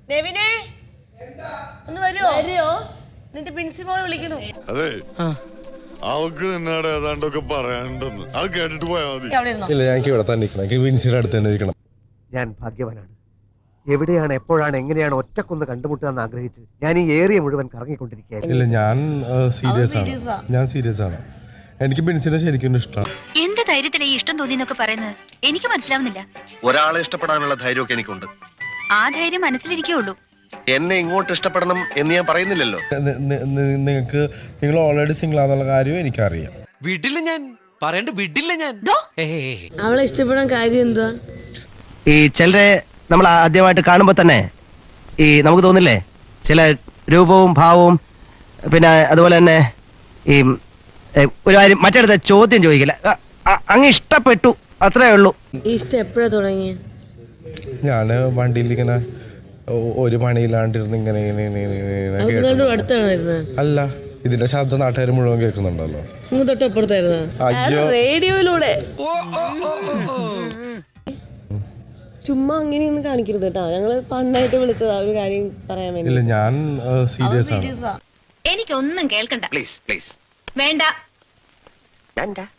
നെവിനെ ഒന്ന് വരുമോ? നിന്റെ പ്രിൻസിപ്പൾ വിളിക്കുന്നു. അതെ അവൾക്ക് നിന്നോട് ഏതാണ്ടൊക്കെ പറയാനുണ്ടെന്ന് അത് കേട്ടിട്ട് പോയാൽ മതി. ഇല്ല, ഞങ്ങൾക്ക് ഇവിടെ തന്നെ ഇരിക്കണം. എനിക്ക് വിൻസിയുടെ അടുത്ത് തന്നെ ഇരിക്കണം. ഞാൻ ഭാഗ്യവാനാണ്. എവിടെയാണ് എപ്പോഴാണ് എങ്ങനെയാണ് ഒറ്റക്കൊന്ന് കണ്ടുമുട്ടുക എന്ന് ആഗ്രഹിച്ച് ഞാൻ ഈ ഏരിയ മുഴുവൻ കറങ്ങിക്കൊണ്ടിരിക്കുകയായിരുന്നു. ഇല്ല, ഞാൻ സീരിയസ് ആണ്. എനിക്ക് ബിൻസിനെ ശരിക്കും ഇഷ്ടമാണ്. എന്ത് ധൈര്യത്തിലെ ഈ ഇഷ്ടം തോന്നിയെന്നൊക്കെ പറയുന്നത് എനിക്ക് മനസ്സിലാവുന്നില്ല. ഒരാളെ ഇഷ്ടപ്പെടാനുള്ള ധൈര്യമൊക്കെ എനിക്കുണ്ട്. ആ ധൈര്യം മനസ്സിലിരിക്കുള്ളൂ. എന്നെ ഇങ്ങോട്ട് ഇഷ്ടപ്പെടണം എന്ന് ഞാൻ പറയുന്നില്ലല്ലോ. നിങ്ങൾ ഓൾറെഡി സിംഗിൾ ആണെന്നുള്ള കാര്യം എനിക്കറിയാം. വിടില്ല ഞാൻ വിടില്ല ഞാൻ. അവളെ ഇഷ്ടപ്പെടാൻ കാര്യം എന്താ? ഈ ചിലരെ നമ്മൾ ആദ്യമായിട്ട് കാണുമ്പോൾ തന്നെ ഈ നമുക്ക് തോന്നില്ലേ ചില രൂപവും ഭാവവും, പിന്നെ അതുപോലെ തന്നെ ഈ ഒരു കാര്യം മറ്റടുത്ത ചോദ്യം ചോദിക്കില്ല, അങ്ങ് ഇഷ്ടപ്പെട്ടു, അത്രേ ഉള്ളൂ. ഇഷ്ടം എപ്പോഴാ തുടങ്ങിയ? ഞാൻ വണ്ടിയിൽ ഇങ്ങനെ ഒരു പണിയില്ലാണ്ടിരുന്ന് ഇങ്ങനെ അല്ല, ഇതിന്റെ ശബ്ദം നാട്ടുകാർ മുഴുവൻ കേൾക്കുന്നുണ്ടല്ലോ. തൊട്ടപ്പുറത്തായിരുന്നു. അയ്യോ, റേഡിയോയിലൂടെ ചുമ്മാ അങ്ങനെയൊന്നും കാണിക്കരുത് കേട്ടോ. ഞങ്ങള് ഫണ്ണായിട്ട് വിളിച്ചതാ ഒരു കാര്യം പറയാൻ വേണ്ടി. ഇല്ല, ഞാൻ സീരിയസ് ആണ്. എനിക്കൊന്നും കേൾക്കണ്ട. പ്ലീസ് പ്ലീസ് വേണ്ട.